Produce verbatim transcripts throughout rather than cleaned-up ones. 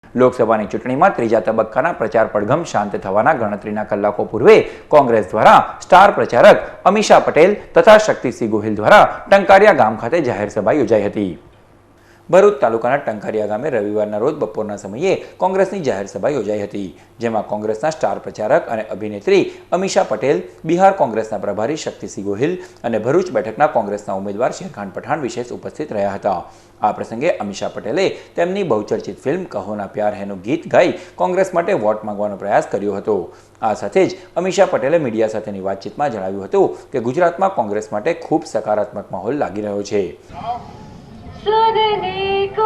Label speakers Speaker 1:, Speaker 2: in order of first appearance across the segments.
Speaker 1: લોકસભાની ચૂંટણીમાં ત્રીજા તબક્કાના પ્રચાર પડઘમ શાંત થવાના ગણતરીના કલાકો પૂર્વે કોંગ્રેસ દ્વારા સ્ટાર પ્રચારક અમીષા પટેલ તથા શક્તિસિંહ ગોહિલ દ્વારા ટંકારિયા ગામ ખાતે જાહેર સભા યોજાઈ હતી। ભરૂચ તાલુકાના ટંકારિયા ગામે રવિવારના રોજ બપોરના સમયે કોંગ્રેસની જાહેર સભા યોજાઈ હતી, જેમાં કોંગ્રેસના સ્ટાર પ્રચારક અને અભિનેત્રી અમીષા પટેલ, બિહાર કોંગ્રેસના પ્રભારી શક્તિસિંહ ગોહિલ અને ભરૂચ બેઠકના કોંગ્રેસના ઉમેદવાર શેરખાન પઠાણ વિશેષ ઉપસ્થિત રહ્યા હતા। આ પ્રસંગે અમીષા પટેલે તેમની બહુચર્ચિત ફિલ્મ કહો ના પ્યાર હૈનું ગીત ગાઈ કોંગ્રેસ માટે વોટ માંગવાનો પ્રયાસ કર્યો હતો। આ સાથે જ અમીષા પટેલે મીડિયા સાથેની વાતચીતમાં જણાવ્યું હતું કે ગુજરાતમાં કોંગ્રેસ માટે ખૂબ સકારાત્મક માહોલ લાગી રહ્યો છે।
Speaker 2: सुनने को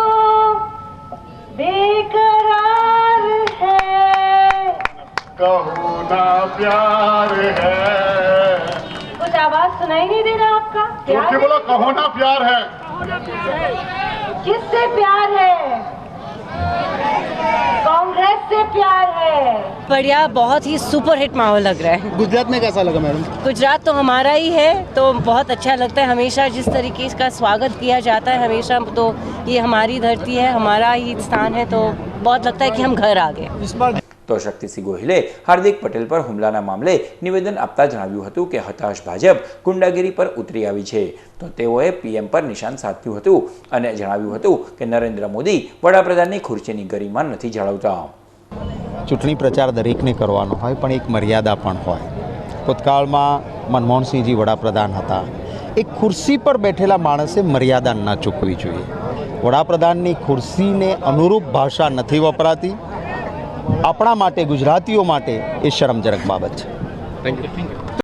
Speaker 2: बेकरार है,
Speaker 3: कहो ना प्यार है।
Speaker 2: कुछ आवाज सुनाई नहीं दे रहा आपका?
Speaker 3: जोर से बोलो, कहो ना प्यार है।
Speaker 2: किससे प्यार है? कांग्रेस से प्यार है।
Speaker 4: बढ़िया, बहुत ही सुपर हिट माहौल लग रहा है।
Speaker 5: गुजरात में कैसा लगा मैडम?
Speaker 4: गुजरात तो हमारा ही है, तो बहुत अच्छा लगता है। हमेशा जिस तरीके का स्वागत किया जाता है, हमेशा तो ये हमारी धरती है, हमारा ही स्थान है, तो बहुत लगता है कि हम घर आ गए।
Speaker 5: इस बार
Speaker 1: तो शक्तिसिंह गोहिले हार्दिक पटेल पर હુમલાના મામલે નિવેદન આપતા જણાવ્યું હતું કે હતાશ ભાજપ ગુંડાગીરી પર ઉતરી આવી છે, તો તેઓએ પીએમ પર નિશાન સાધ્યું હતું અને જણાવ્યું હતું કે નરેન્દ્ર મોદી વડાપ્રધાનની ખુરશીની ગરિમા નથી જાળવતા।
Speaker 6: ચૂંટણી પ્રચાર દરેકને કરવાનો હોય, પણ એક મર્યાદા પણ હોય। ભૂતકાળમાં મનમોહનસિંહજી વડાપ્રધાન હતા, એક ખુરશી પર બેઠેલા માણસે મર્યાદા ન ચૂકવી જોઈએ। વડાપ્રધાનની ખુરશીને અનુરૂપ ભાષા નથી વપરાતી। આપણા માટે, ગુજરાતીઓ માટે એ શરમજનક બાબત છે।
Speaker 5: Thank you.